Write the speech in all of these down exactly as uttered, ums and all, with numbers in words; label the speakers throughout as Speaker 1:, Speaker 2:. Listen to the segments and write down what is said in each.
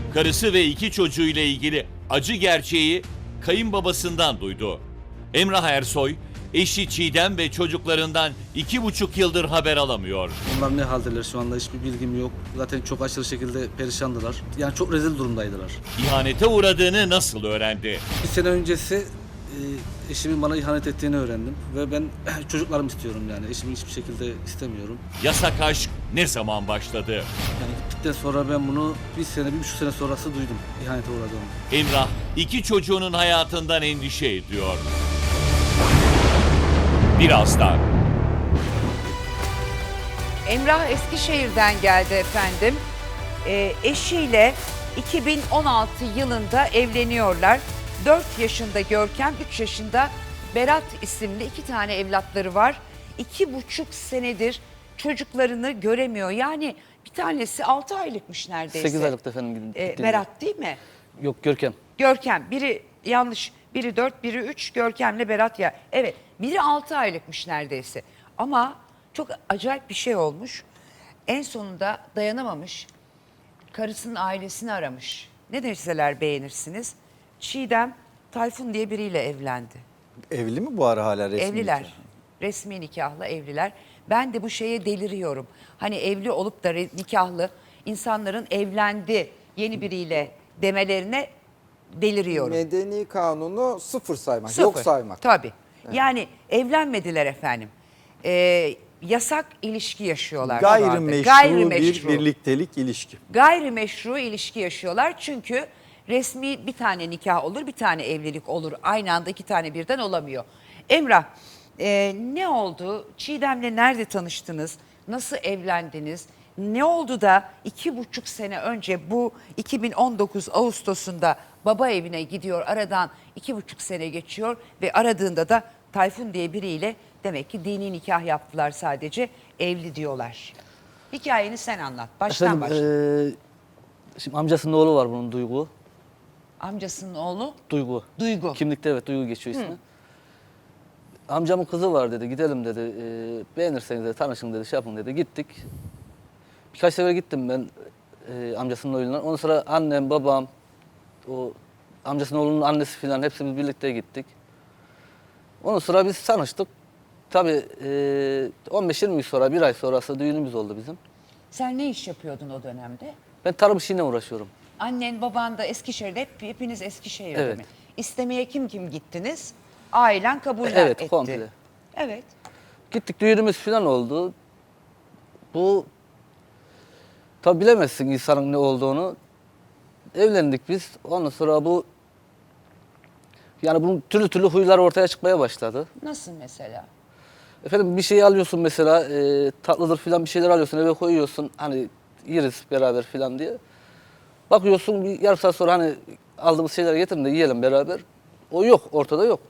Speaker 1: karısı ve iki çocuğuyla ilgili acı gerçeği kayınbabasından duydu. Emrah Ersoy, eşi Çiğdem ve çocuklarından iki buçuk yıldır haber alamıyor.
Speaker 2: Onlar ne haldeler şu anda hiçbir bilgim yok. Zaten çok aşırı şekilde perişandılar. Yani çok rezil durumdaydılar.
Speaker 1: İhanete uğradığını nasıl öğrendi?
Speaker 2: Bir sene öncesi e, eşimin bana ihanet ettiğini öğrendim. Ve ben çocuklarımı istiyorum yani. Eşimi hiçbir şekilde istemiyorum.
Speaker 1: Yasak aşk ne zaman başladı?
Speaker 2: Yani gittikten sonra ben bunu bir sene, bir buçuk sene sonrası duydum. İhanete uğradığımı.
Speaker 1: Emrah iki çocuğunun hayatından endişe ediyor. Birazdan.
Speaker 3: Emrah Eskişehir'den geldi efendim. Ee, eşiyle iki bin on altı yılında evleniyorlar. dört yaşında Görkem, üç yaşında Berat isimli iki tane evlatları var. iki buçuk senedir çocuklarını göremiyor. Yani bir tanesi altı aylıkmış neredeyse.
Speaker 4: sekiz aylıkta efendim.
Speaker 3: Ee, Berat değil mi?
Speaker 4: Yok, Görkem.
Speaker 3: Görkem, biri yanlış, biri dört, biri üç, Görkem'le Berat ya. Evet, biri altı aylıkmış neredeyse. Ama çok acayip bir şey olmuş. En sonunda dayanamamış, karısının ailesini aramış. Ne deseler beğenirsiniz. Çiğdem Tayfun diye biriyle evlendi.
Speaker 5: Evli mi bu ara hala resmi?
Speaker 3: Evliler,
Speaker 5: nikah?
Speaker 3: resmi nikahla evliler. Ben de bu şeye deliriyorum. Hani evli olup da re- nikahlı insanların evlendi yeni biriyle demelerine deliriyorum.
Speaker 5: Medeni kanunu sıfır saymak,
Speaker 3: Sıfır.
Speaker 5: yok saymak.
Speaker 3: Tabii. Yani evlenmediler efendim. Ee, yasak ilişki yaşıyorlar.
Speaker 5: Gayrimeşru,
Speaker 3: Gayrimeşru.
Speaker 5: bir birliktelik ilişki.
Speaker 3: Gayrimeşru ilişki yaşıyorlar. Çünkü resmi bir tane nikah olur, bir tane evlilik olur. Aynı anda iki tane birden olamıyor. Emrah, e, ne oldu? Çiğdem'le nerede tanıştınız? Nasıl evlendiniz? Ne oldu da iki buçuk sene önce bu iki bin on dokuz Ağustos'unda baba evine gidiyor, aradan iki buçuk sene geçiyor ve aradığında da Tayfun diye biriyle demek ki dini nikah yaptılar, sadece evli diyorlar. Hikayeni sen anlat, baştan
Speaker 4: Efendim,
Speaker 3: başla.
Speaker 4: eee, şimdi amcasının oğlu var bunun, Duygu.
Speaker 3: Amcasının oğlu
Speaker 4: Duygu.
Speaker 3: Duygu.
Speaker 4: Kimlikte evet Duygu geçiyor ismi. Amcamın kızı var dedi, gidelim dedi. Eee beğenirseniz dedi, tanışın dedi, şey yapın dedi. Gittik. Birkaç sefer gittim ben eee, amcasının oğluna. Ondan sonra annem, babam, o amcasının oğlunun annesi falan hepsimiz birlikte gittik. Ondan sonra biz tanıştık. Tabii eee, on beş yirmi gün sonra, bir ay sonrası düğünümüz oldu bizim.
Speaker 3: Sen ne iş yapıyordun o dönemde?
Speaker 4: Ben tarım işiyle uğraşıyorum.
Speaker 3: Annen, baban da Eskişehir'de, hep, hepiniz Eskişehir'de
Speaker 4: Evet.
Speaker 3: mi? İstemeye kim kim gittiniz? Ailen kabul
Speaker 4: Evet,
Speaker 3: etti.
Speaker 4: komple.
Speaker 3: Evet.
Speaker 4: Gittik, düğünümüz falan oldu. Bu tabi bilemezsin insanın ne olduğunu. Evlendik biz. Ondan sonra bu yani bunun türlü türlü huylar ortaya çıkmaya başladı.
Speaker 3: Nasıl mesela?
Speaker 4: Efendim bir şey alıyorsun mesela, e, tatlıdır falan bir şeyler alıyorsun, eve koyuyorsun, hani yeriz beraber falan diye. Bakıyorsun bir yarım saat sonra hani aldığımız şeyleri getirin de yiyelim beraber. O yok, ortada yok.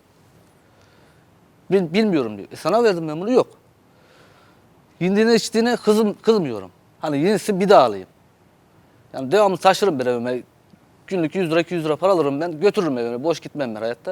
Speaker 4: Bil, bilmiyorum diyor. E sana verdim ben bunu, yok. Yediğine içtiğine kızım, kızmıyorum. Hani yenisi bir daha alayım. Yani devamlı taşırım bir evime. Günlük yüz lira iki yüz lira para alırım ben, götürürüm evime. Boş gitmem ben hayatta.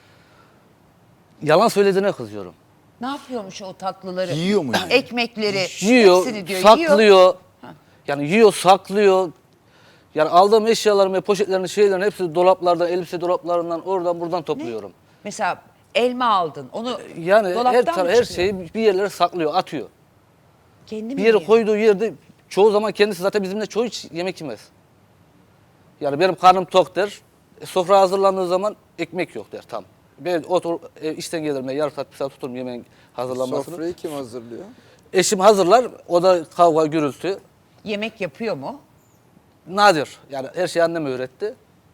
Speaker 4: Yalan söylediğine kızıyorum.
Speaker 3: Ne yapıyormuş o tatlıları?
Speaker 5: Yiyor mu yani?
Speaker 3: Ekmekleri,
Speaker 4: Yiyor,
Speaker 3: hepsini diyor.
Speaker 4: saklıyor.
Speaker 3: Yiyor.
Speaker 4: Yani yiyor, saklıyor. Yani aldığım eşyalarımı, poşetlerini, şeylerini hepsi dolaplardan, elbise dolaplarından, oradan buradan topluyorum.
Speaker 3: Mesela elma aldın. Onu
Speaker 4: Yani her,
Speaker 3: dolaptan
Speaker 4: tar-
Speaker 3: mı
Speaker 4: her
Speaker 3: çıkıyor?
Speaker 4: şeyi bir yerlere saklıyor, atıyor.
Speaker 3: Kendi mi
Speaker 4: Bir yere
Speaker 3: yiyor?
Speaker 4: koyduğu yerde çoğu zaman kendisi zaten bizimle çoğu hiç yemek yemez. Yani benim karnım tok der. E, sofra hazırlandığı zaman ekmek yok der tam. Ben otur, e, işten gelirim, ben yarım saat, bir saat tuturum yemeğin hazırlanmasını.
Speaker 5: Sofrayı kim hazırlıyor?
Speaker 4: Eşim hazırlar, o da kavga, gürültü.
Speaker 3: Yemek yapıyor mu?
Speaker 4: Nadir. Yani her şeyi annem öğretti.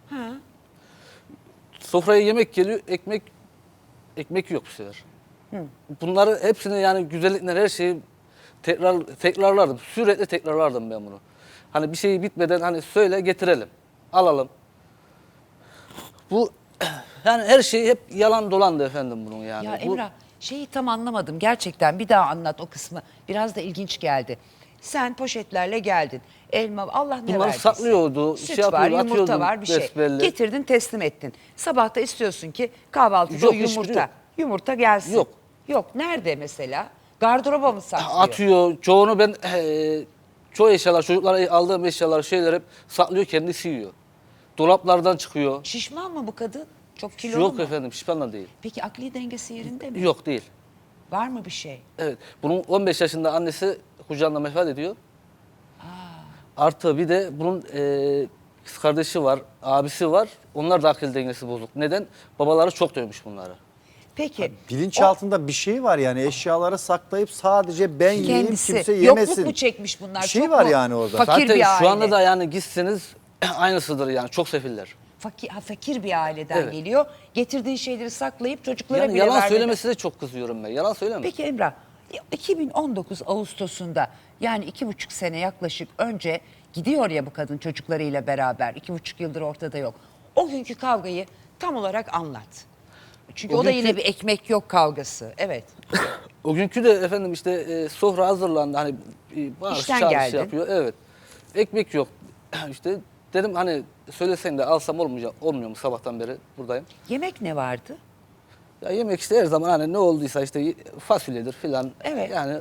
Speaker 4: Sofraya yemek geliyor, ekmek ekmek yok bu sefer. Bunları hepsini yani güzellikler, her şeyi tekrar tekrarlardım. Sürekli tekrarlardım ben bunu. Hani bir şey bitmeden hani söyle getirelim. Alalım. Bu yani her şey hep yalan dolandı efendim bunun yani.
Speaker 3: Ya
Speaker 4: Bu-
Speaker 3: Emrah, şeyi tam anlamadım gerçekten, bir daha anlat o kısmı. Biraz da ilginç geldi. Sen poşetlerle geldin. Elma, Allah ne
Speaker 4: Bunları
Speaker 3: verdiyse.
Speaker 4: saklıyordu,
Speaker 3: Süt
Speaker 4: şey
Speaker 3: var,
Speaker 4: yapıyordu,
Speaker 3: yumurta
Speaker 4: atıyordu
Speaker 3: var, bir şey.
Speaker 4: besbelli.
Speaker 3: Getirdin, teslim ettin. Sabah da istiyorsun ki kahvaltıda
Speaker 4: Yok,
Speaker 3: o
Speaker 4: hiçbiri
Speaker 3: yumurta.
Speaker 4: yok.
Speaker 3: Yumurta gelsin.
Speaker 4: Yok.
Speaker 3: Yok. Nerede mesela? Gardıroba mı saklıyor?
Speaker 4: atıyor. Çoğunu ben eee, çoğu eşyalar, çocuklara aldığım eşyalar, şeyler hep saklıyor, kendisi yiyor. Dolaplardan çıkıyor.
Speaker 3: Şişman mı bu kadın? Çok kilolu
Speaker 4: Yok
Speaker 3: mu?
Speaker 4: efendim, şişmanla değil.
Speaker 3: Peki akli dengesi yerinde mi?
Speaker 4: Yok değil.
Speaker 3: Var mı bir şey?
Speaker 4: Evet. Bunun on beş yaşında annesi kucağında vefat ediyor. Artı bir de bunun e, kız kardeşi var, abisi var. Onlar da akıl dengesi bozuk. Neden? Babaları çok dövmüş bunları.
Speaker 3: Peki.
Speaker 5: Bilinçaltında bir şey var yani eşyaları saklayıp sadece ben yiyeyim
Speaker 3: Kendisi.
Speaker 5: kimse yemesin.
Speaker 3: Yokluk mu çekmiş bunlar?
Speaker 5: Bir şey
Speaker 3: Çok
Speaker 5: var
Speaker 3: mu
Speaker 5: yani orada.
Speaker 3: Fakir
Speaker 4: Zaten
Speaker 3: bir aile.
Speaker 4: şu anda da yani gitseniz aynısıdır yani, çok sefiller.
Speaker 3: Fakir, ha, fakir bir aileden
Speaker 4: Evet.
Speaker 3: geliyor. Getirdiği şeyleri saklayıp çocuklara
Speaker 4: Yani
Speaker 3: bile
Speaker 4: yalan
Speaker 3: vermeden-
Speaker 4: söylemesi de çok kızıyorum ben. Yalan söyleme.
Speaker 3: Peki Emrah, iki bin on dokuz Ağustos'unda yani iki buçuk sene yaklaşık önce gidiyor ya bu kadın çocuklarıyla beraber. iki buçuk yıldır ortada yok. O günkü kavgayı tam olarak anlat. Çünkü o,
Speaker 4: O
Speaker 3: da
Speaker 4: günkü-
Speaker 3: yine bir ekmek yok kavgası. Evet.
Speaker 4: O günkü de efendim işte e, sofra hazırlandı. Hani e, bağırış
Speaker 3: İşten
Speaker 4: çağrısı
Speaker 3: geldin.
Speaker 4: yapıyor. Evet. Ekmek yok. İşte dedim hani söylesen de alsam olmayacak, olmuyor mu, sabahtan beri buradayım.
Speaker 3: Yemek ne vardı?
Speaker 4: Ya yemek işte her zaman hani ne olduysa işte fasulyedir filan.
Speaker 3: Evet.
Speaker 4: Yani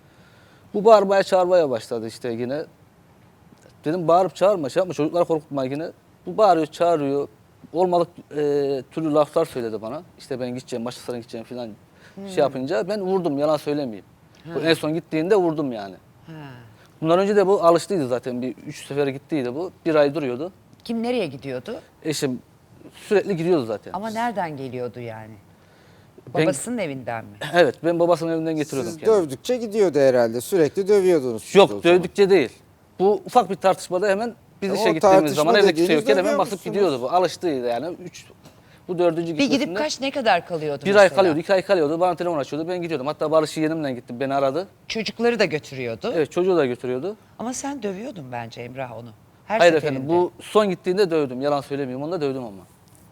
Speaker 4: bu bağırmaya çağırmaya başladı işte yine. Dedim bağırıp çağırma, şey yapma, çocuklar korkutma yine. Bu bağırıyor, çağırıyor. Olmadık e, türlü laflar söyledi bana. İşte ben gideceğim, başkasına gideceğim filan şey yapınca ben vurdum, yalan söylemeyeyim. Bu en son gittiğinde vurdum yani.
Speaker 3: Ha.
Speaker 4: Bundan önce de bu alıştıydı zaten. Bir üç sefer gittiydi bu. Bir ay duruyordu.
Speaker 3: Kim nereye gidiyordu?
Speaker 4: Eşim sürekli gidiyordu zaten.
Speaker 3: Ama nereden geliyordu yani?
Speaker 4: Ben-
Speaker 3: Babasının evinden mi?
Speaker 4: Evet, ben babasının evinden getiriyordum
Speaker 5: Siz
Speaker 4: kendimi.
Speaker 5: dövdükçe gidiyordu herhalde. Sürekli dövüyordunuz. siz o
Speaker 4: Yok,
Speaker 5: zaman.
Speaker 4: dövdükçe değil. Bu ufak bir tartışmada hemen biz
Speaker 5: Ya
Speaker 4: işe
Speaker 5: o
Speaker 4: gittiğimiz
Speaker 5: tartışma
Speaker 4: zaman evde kimse
Speaker 5: dediğiniz
Speaker 4: yokken hemen
Speaker 5: dövüyor
Speaker 4: basıp
Speaker 5: musunuz?
Speaker 4: gidiyordu bu. Alıştıydı yani. Üç, bu dördüncü
Speaker 3: Bir
Speaker 4: gitmesinde.
Speaker 3: gidip kaç ne kadar kalıyordu
Speaker 4: Bir
Speaker 3: mesela?
Speaker 4: ay kalıyordu, iki ay kalıyordu. Bana telefon açıyordu, ben gidiyordum. Hatta Barış yeğenimle gittim, beni aradı.
Speaker 3: Çocukları da götürüyordu.
Speaker 4: Evet, çocuğu da götürüyordu.
Speaker 3: Ama sen dövüyordun bence Emrah onu. Her
Speaker 4: Hayır
Speaker 3: seferinde.
Speaker 4: efendim, bu son gittiğinde dövdüm. Yalan söylemiyorum, onu da dövdüm ama.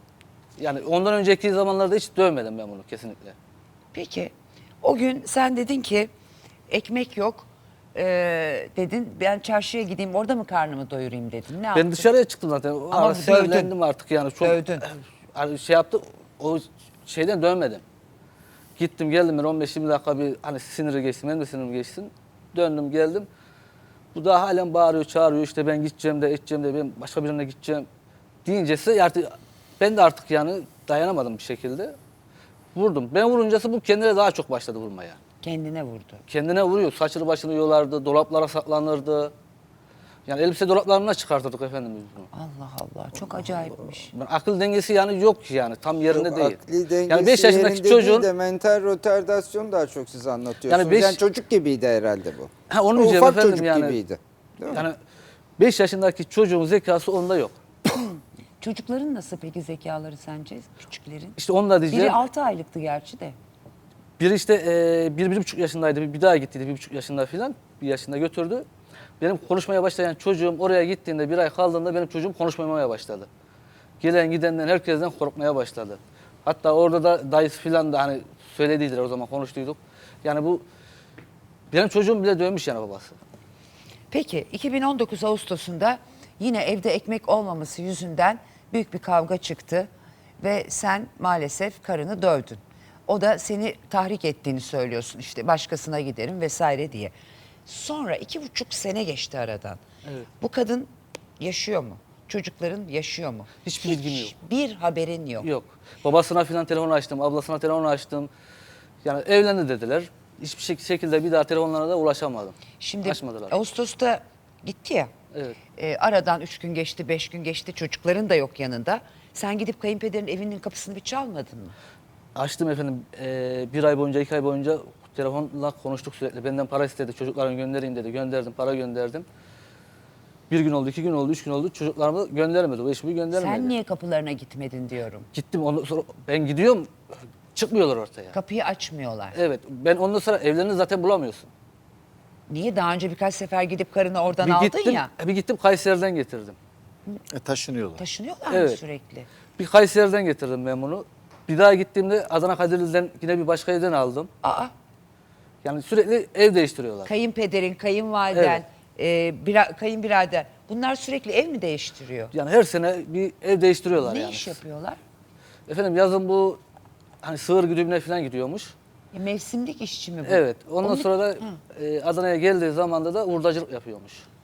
Speaker 4: Yani ondan önceki zamanlarda hiç dövmedim ben bunu kesinlikle.
Speaker 3: Peki o gün sen dedin ki ekmek yok ee, dedin ben çarşıya gideyim orada mı karnımı doyurayım dedin. Ne yaptın?
Speaker 4: Ben dışarıya çıktım zaten. O
Speaker 3: Ama
Speaker 4: ara
Speaker 3: dövdün.
Speaker 4: sinirlendim artık yani. Çok,
Speaker 3: Dövdün.
Speaker 4: Hani şey yaptı, o şeyden dönmedim. Gittim geldim ben on beş yirmi dakika bir hani siniri geçsin, benim de sinirim geçsin. Döndüm geldim. Bu da halen bağırıyor, çağırıyor, işte ben gideceğim de edeceğim de ben başka birine gideceğim deyincesi artık ben de artık yani dayanamadım bir şekilde. Vurdum. Ben vuruncası bu kendine daha çok başladı vurmaya.
Speaker 3: Kendine vurdu.
Speaker 4: Kendine vuruyor. Saçını başını yolardı, dolaplara saklanırdı. Yani elbise dolaplarına çıkartırdık efendim biz bunu.
Speaker 3: Allah Allah çok acayipmiş.
Speaker 4: Ben akıl dengesi yani yok yani tam yerinde
Speaker 5: Yok,
Speaker 4: değil.
Speaker 5: akli dengesi
Speaker 4: Yani beş yaşındaki
Speaker 5: yerinde
Speaker 4: çocuğun
Speaker 5: değil de mental retardasyon daha çok siz anlatıyorsunuz.
Speaker 4: Yani beş-
Speaker 5: Yani çocuk gibiydi herhalde bu.
Speaker 4: ha, onu
Speaker 5: O
Speaker 4: diyeceğim
Speaker 5: ufak
Speaker 4: efendim
Speaker 5: çocuk
Speaker 4: yani.
Speaker 5: gibiydi. Değil mi?
Speaker 4: Yani beş yaşındaki çocuğun zekası onda yok.
Speaker 3: Çocukların nasıl peki zekaları sence küçüklerin?
Speaker 4: İşte onu da diyeceğim.
Speaker 3: Biri altı aylıktı gerçi de.
Speaker 4: Biri işte e, bir, bir buçuk yaşındaydı. Bir, bir daha gittiydi bir buçuk yaşında filan. Bir yaşında götürdü. Benim konuşmaya başlayan çocuğum oraya gittiğinde bir ay kaldığında benim çocuğum konuşmamaya başladı. Gelen gidenden herkesten korkmaya başladı. Hatta orada da dayısı filan da hani söylediydiler o zaman konuştuyduk. Yani bu benim çocuğum bile dövmüş yani babası.
Speaker 3: Peki iki bin on dokuz Ağustos'unda yine evde ekmek olmaması yüzünden büyük bir kavga çıktı ve sen maalesef karını dövdün. O da seni tahrik ettiğini söylüyorsun işte başkasına giderim vesaire diye. Sonra iki buçuk sene geçti aradan.
Speaker 4: Evet.
Speaker 3: Bu kadın yaşıyor mu? Çocukların yaşıyor mu?
Speaker 4: Hiçbir bilgim yok.
Speaker 3: Bir haberin yok.
Speaker 4: Yok. Babasına filan telefon açtım, ablasına telefon açtım. Yani evlendi dediler. Hiçbir şek- şekilde bir daha telefonlarına da ulaşamadım.
Speaker 3: Şimdi
Speaker 4: Açmadılar.
Speaker 3: Ağustos'ta gitti ya.
Speaker 4: Evet.
Speaker 3: E, aradan üç gün geçti, beş gün geçti. Çocukların da yok yanında. Sen gidip kayınpederin evinin kapısını bir çalmadın mı?
Speaker 4: Açtım efendim. Ee, bir ay boyunca, iki ay boyunca telefonla konuştuk sürekli. Benden para istedi. Çocuklarını göndereyim dedi. Gönderdim, para gönderdim. Bir gün oldu, iki gün oldu, üç gün oldu. Çocuklarımı göndermedi. O eşimi göndermedi.
Speaker 3: Sen niye kapılarına gitmedin diyorum.
Speaker 4: Gittim ondan sonra ben gidiyorum. Çıkmıyorlar ortaya.
Speaker 3: Kapıyı açmıyorlar.
Speaker 4: Evet. Ben ondan sonra evlerini zaten bulamıyorsun.
Speaker 3: Niye? Daha önce birkaç sefer gidip karını oradan
Speaker 4: Bir
Speaker 3: aldın
Speaker 4: gittim,
Speaker 3: ya.
Speaker 4: bir gittim Kayseri'den getirdim.
Speaker 5: E, taşınıyorlar.
Speaker 3: Taşınıyorlar mı
Speaker 4: Evet.
Speaker 3: sürekli?
Speaker 4: Bir Kayseri'den getirdim ben bunu. Bir daha gittiğimde Adana Kadirli'den yine bir başka evden aldım.
Speaker 3: Aa,
Speaker 4: Yani sürekli ev değiştiriyorlar.
Speaker 3: kayınpederin, kayınvaliden, e, bira, kayınbirader. Bunlar sürekli ev mi değiştiriyor?
Speaker 4: Yani her sene bir ev değiştiriyorlar
Speaker 3: Ne
Speaker 4: yani.
Speaker 3: iş yapıyorlar?
Speaker 4: Efendim yazın bu hani sığır güdümüne falan gidiyormuş.
Speaker 3: E, mevsimlik işçi mi bu?
Speaker 4: Evet. Ondan
Speaker 3: Onu-
Speaker 4: sonra da e, Adana'ya geldiği zamanda da hurdacılık yapıyormuş.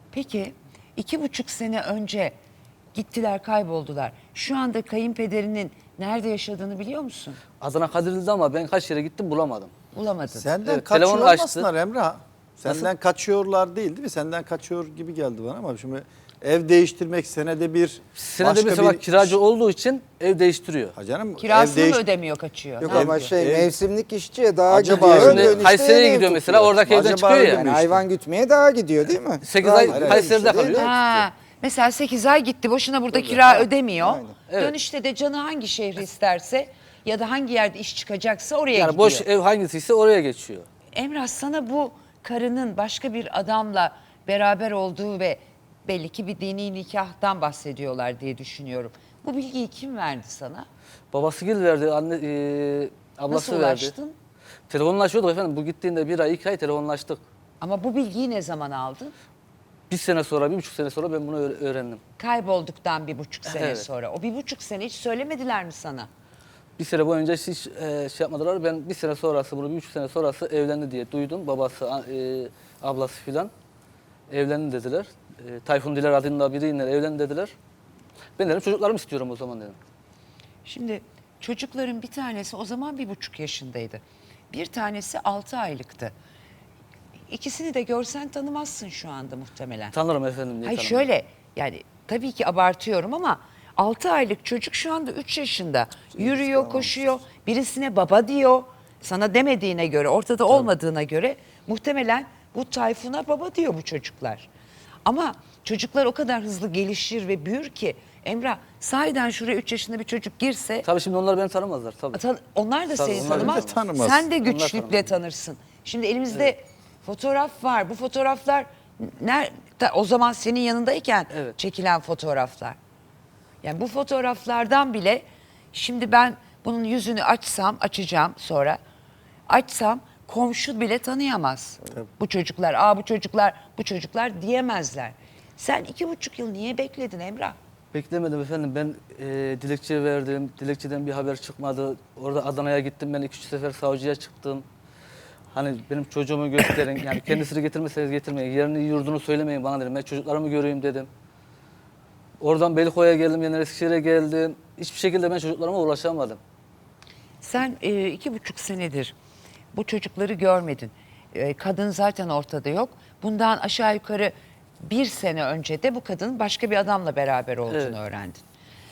Speaker 3: Peki iki buçuk sene önce gittiler, kayboldular. Şu anda kayınpederinin nerede yaşadığını biliyor musun?
Speaker 4: Adana Kadirli'de ama ben kaç yere gittim bulamadım.
Speaker 3: Bulamadın.
Speaker 5: Senden
Speaker 4: Evet,
Speaker 5: kaçıyor
Speaker 4: telefonu açtı.
Speaker 5: olmasınlar Emrah. Senden kaçıyorlar değil değil mi? Senden kaçıyor gibi geldi bana ama şimdi ev değiştirmek senede bir
Speaker 4: Senede
Speaker 5: başka
Speaker 4: mesela
Speaker 5: bir-
Speaker 4: kiracı olduğu için ev değiştiriyor.
Speaker 5: Ha canım,
Speaker 3: Kirasını
Speaker 5: ev
Speaker 3: mı
Speaker 5: değiş-
Speaker 3: ödemiyor, kaçıyor?
Speaker 6: Yok
Speaker 3: Ne
Speaker 6: ama
Speaker 3: yapıyor?
Speaker 6: şey
Speaker 5: Ev-
Speaker 6: mevsimlik işçiye daha
Speaker 5: Acaba
Speaker 6: gidiyor.
Speaker 5: öyle-
Speaker 6: dönüşte
Speaker 4: Kayseri'ye
Speaker 6: ev
Speaker 4: gidiyor mesela,
Speaker 6: tutuyor.
Speaker 4: oradaki evden
Speaker 5: Acaba
Speaker 4: çıkıyor
Speaker 5: öyle
Speaker 4: ya.
Speaker 5: mi?
Speaker 6: Yani hayvan gütmeye daha gidiyor değil mi?
Speaker 4: sekiz
Speaker 6: Daha
Speaker 4: ay
Speaker 6: gidiyor.
Speaker 4: Kayseri'de
Speaker 6: Dönüşte de
Speaker 4: kalıyor.
Speaker 6: ev
Speaker 3: Ha, mesela sekiz ay gitti, boşuna burada kira ödemiyor.
Speaker 6: Aynen.
Speaker 4: Evet.
Speaker 3: Dönüşte de canı hangi şehri isterse ya da hangi yerde iş çıkacaksa oraya
Speaker 4: Yani
Speaker 3: gidiyor.
Speaker 4: boş ev hangisiyse oraya geçiyor.
Speaker 3: Emrah, sana bu karının başka bir adamla beraber olduğu ve belli ki bir dini nikahtan bahsediyorlar diye düşünüyorum. Bu bilgiyi kim verdi sana?
Speaker 4: Babası gül verdi, anne, e, ablası
Speaker 3: Nasıl
Speaker 4: verdi.
Speaker 3: ulaştın?
Speaker 4: Telefonlaşıyorduk efendim. Bu gittiğinde bir ay, iki ay telefonlaştık.
Speaker 3: Ama bu bilgiyi ne zaman aldın?
Speaker 4: Bir sene sonra, bir buçuk sene sonra ben bunu öğ- öğrendim.
Speaker 3: Kaybolduktan bir buçuk sene
Speaker 4: Evet.
Speaker 3: sonra. O bir buçuk sene hiç söylemediler mi sana?
Speaker 4: Bir sene boyunca hiç e, şey yapmadılar. Ben bir sene sonrası, bunu bir buçuk sene sonrası evlendi diye duydum. Babası, a- e, ablası filan evlendi dediler. E, Tayfun Diler adında biriyle evlendi dediler. Ben dedim çocuklarımı istiyorum o zaman dedim.
Speaker 3: Şimdi çocukların bir tanesi o zaman bir buçuk yaşındaydı. Bir tanesi altı aylıktı. İkisini de görsen tanımazsın şu anda muhtemelen.
Speaker 4: Tanırım efendim diye
Speaker 3: Hayır
Speaker 4: tanımam.
Speaker 3: şöyle, yani tabii ki abartıyorum ama altı aylık çocuk şu anda üç yaşında. Yürüyor, koşuyor, birisine baba diyor. Sana demediğine göre, ortada olmadığına göre muhtemelen bu Tayfun'a baba diyor bu çocuklar. Ama çocuklar o kadar hızlı gelişir ve büyür ki Emrah, sahiden şuraya üç yaşında bir çocuk girse
Speaker 4: Tabii şimdi onlar beni tanımazlar tabii.
Speaker 3: Tan- onlar da
Speaker 4: Tabii,
Speaker 3: seni
Speaker 4: onlar
Speaker 3: tanımaz.
Speaker 5: beni tanımaz.
Speaker 3: Sen de
Speaker 4: Onlar
Speaker 3: güçlükle
Speaker 4: tanımaz.
Speaker 3: tanırsın. Şimdi elimizde fotoğraf var. Bu fotoğraflar nerede? O zaman senin yanındayken
Speaker 4: Evet.
Speaker 3: çekilen fotoğraflar. Yani bu fotoğraflardan bile şimdi ben bunun yüzünü açsam, açacağım sonra. Açsam komşu bile tanıyamaz. Bu çocuklar, aa bu çocuklar, bu çocuklar diyemezler. Sen iki buçuk yıl niye bekledin Emrah?
Speaker 4: Beklemedim efendim. Ben e, dilekçe verdim. Dilekçeden bir haber çıkmadı. Orada Adana'ya gittim. Ben iki üç sefer savcıya çıktım. Hani benim çocuğumu gösterin. Yani kendisini getirmeseniz getirmeyin. Yerini yurdunu söylemeyin bana dedim. Ben çocuklarımı göreyim dedim. Oradan Beylikdüzü'ye geldim. Yeniden Eskişehir'e geldim. Hiçbir şekilde ben çocuklarıma ulaşamadım.
Speaker 3: Sen e, iki buçuk senedir bu çocukları görmedin. E, kadın zaten ortada yok. Bundan aşağı yukarı bir sene önce de bu kadının başka bir adamla beraber olduğunu
Speaker 4: Evet.
Speaker 3: öğrendin.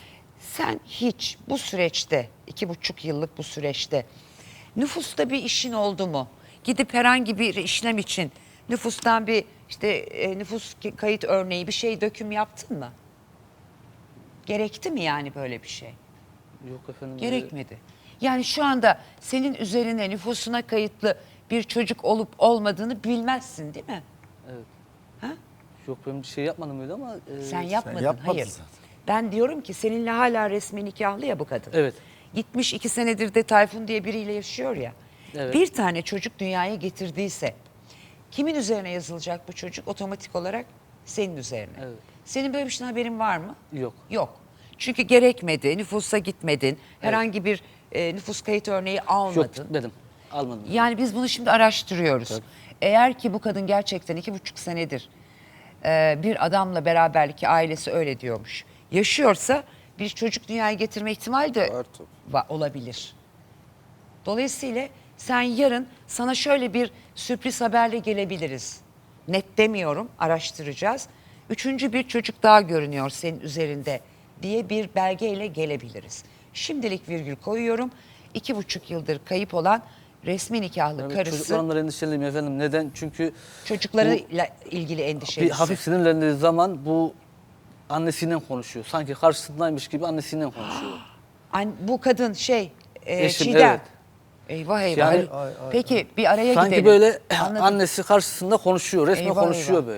Speaker 3: Sen hiç bu süreçte, iki buçuk yıllık bu süreçte nüfusta bir işin oldu mu? Gidip herhangi bir işlem için nüfustan bir işte e, nüfus kayıt örneği bir şey döküm yaptın mı? Gerekti mi yani böyle bir şey?
Speaker 4: Yok efendim.
Speaker 3: Gerekmedi. Yani şu anda senin üzerine nüfusuna kayıtlı bir çocuk olup olmadığını bilmezsin değil mi?
Speaker 4: Evet.
Speaker 3: Ha?
Speaker 4: Yok ben bir şey yapmadım öyle ama. e,
Speaker 3: Sen yapmadın,
Speaker 5: yapmadın
Speaker 3: hayır.
Speaker 5: zaten.
Speaker 3: Ben diyorum ki seninle hala resmi nikahlı ya bu kadın.
Speaker 4: Evet.
Speaker 3: Gitmiş iki senedir de Tayfun diye biriyle yaşıyor ya.
Speaker 4: Evet.
Speaker 3: Bir tane çocuk dünyaya getirdiyse kimin üzerine yazılacak bu çocuk? Otomatik olarak senin üzerine.
Speaker 4: Evet.
Speaker 3: Senin böyle bir şeyden haberin var mı?
Speaker 4: Yok.
Speaker 3: Yok. Çünkü gerekmedi, nüfusa gitmedin, herhangi bir e, nüfus kayıt örneği almadın.
Speaker 4: Yok gitmedim. Almadım.
Speaker 3: Yani biz bunu şimdi araştırıyoruz. Eğer ki bu kadın gerçekten iki buçuk senedir e, bir adamla beraberlik, ki ailesi öyle diyormuş, yaşıyorsa bir çocuk dünyaya getirme ihtimali de
Speaker 6: Var tabii.
Speaker 3: va- olabilir. Dolayısıyla sen yarın sana şöyle bir sürpriz haberle gelebiliriz. Net demiyorum, araştıracağız. Üçüncü bir çocuk daha görünüyor senin üzerinde diye bir belgeyle gelebiliriz. Şimdilik virgül koyuyorum. İki buçuk yıldır kayıp olan resmi nikahlı
Speaker 4: Yani
Speaker 3: karısı
Speaker 4: çocuklarımdan endişeliyim efendim. Neden? Çünkü
Speaker 3: çocuklarıyla ilgili
Speaker 4: bir
Speaker 3: endişelisi.
Speaker 4: hafif sinirlendiği zaman bu annesiyle konuşuyor. Sanki karşısındaymış gibi annesiyle konuşuyor.
Speaker 3: An- bu kadın şey, e,
Speaker 4: Eşim,
Speaker 3: Çiğdem.
Speaker 4: evet.
Speaker 3: Eyvah eyvah.
Speaker 4: Yani-
Speaker 3: Peki bir araya
Speaker 4: Sanki
Speaker 3: gidelim.
Speaker 4: böyle
Speaker 3: Anladım.
Speaker 4: annesi karşısında konuşuyor. Resmen
Speaker 3: Eyvah,
Speaker 4: konuşuyor
Speaker 3: eyvah.
Speaker 4: böyle.